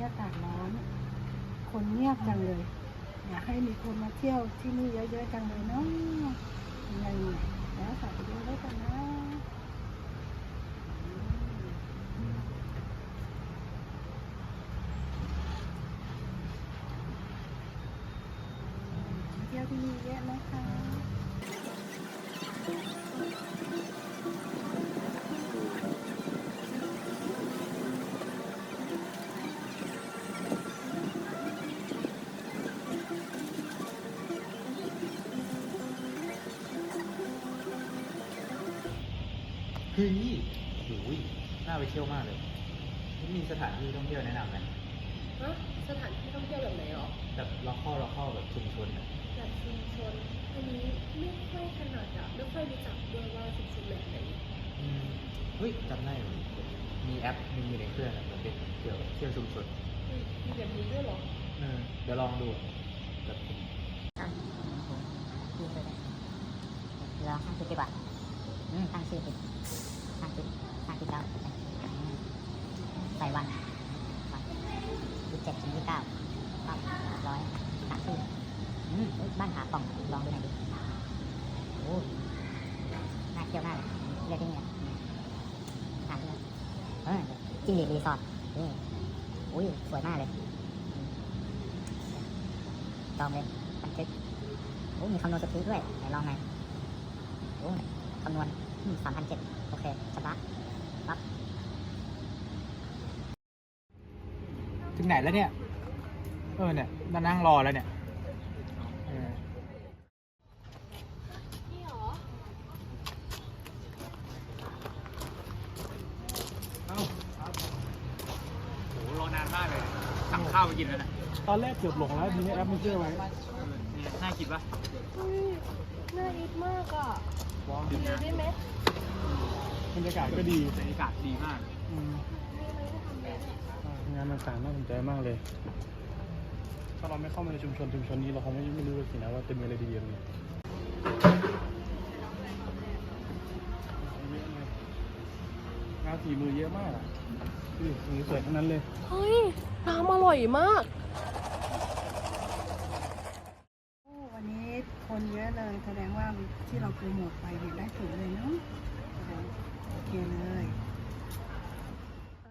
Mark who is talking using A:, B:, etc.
A: อากาศร้อน คนเงียบจังเลยอยากให้มีคนมาเที่ยวที่นี่เยอะๆจังเลยเนาะยังไงแล้วฝากไปดูด้วยกันนะเที่ยวที่นี่เยอะนะคะ
B: เฮ้ยโอ้ยน่าไปเที่ยวมากเลยมีสถานที่ท่องเที่ยวแนะนำไหม
C: ฮะสถานที่ท่องเที่ยวแบบไหนหรอ
B: แบบล็อกเข้าแบบชุมชนอะ
C: แบบชุมชนอันนี้ไม่ค่อยถนัดอะไม่ค่อยรู้จักด้วยว่าชุมชนแบบไหน
B: เฮ้ยจำได้เลยมีแอปมีอยู่ในเครื่องอะมันเป็นเกี่ยวกับเที่ยวชุมชน
C: มีแบบนี้ด้วยหรอ
B: เดี๋ยวลองดูแบบ
D: เราตั้งชื่อดีกว่าตั้งชื่อผิดตั้งชื่อแล้วใส่วัน27 ถึง 29ก็100ตั้งชื่อบ้านผาป่องลองดูหน่อยดิโอ้น่าเที่ยวมากเลยเลือกที่นี่ถามเลยจิ้งหรีดรีสอร์ทอุ้ยสวยมากเลยจองเลยบันทึกมีคำนวณสปีดด้วยไหนลองหน่อยคำนวณ3,700โอเคชำระปั๊บ
B: ถึงไหนแล้วเนี่ยเนี่ยมานั่งรอแล้วเนี่ย
C: นี่หรอ
B: โหรอนานมากเลยสั่งข้าวไปกินแล้วนะ
A: ตอนแรกเกือบหลงแล้วทีนี้แอปมันเชื่อไว้
B: น่ากินปะ
C: น่าอิทมากอ่ะกินเลยได้ไหม
A: บรรยากาศก็ดี
B: บรรยากาศดีมาก
A: งานต่างๆน่าสนใจมากเลยถ้าเราไม่เข้ามาในชุมชนนี้เราคงไม่รู้เลยสินะว่าจะมีอะไรดีๆเลยงานฝีมือเยอะมากอ่ะสีสวยทั้งนั้นเลย
C: เฮ้ยน้ำอร่อยมาก
A: วันนี้คนเยอะเลยแสดงว่าที่เราโปรโมทไปได้ผลเลยเนาะโอเคเลย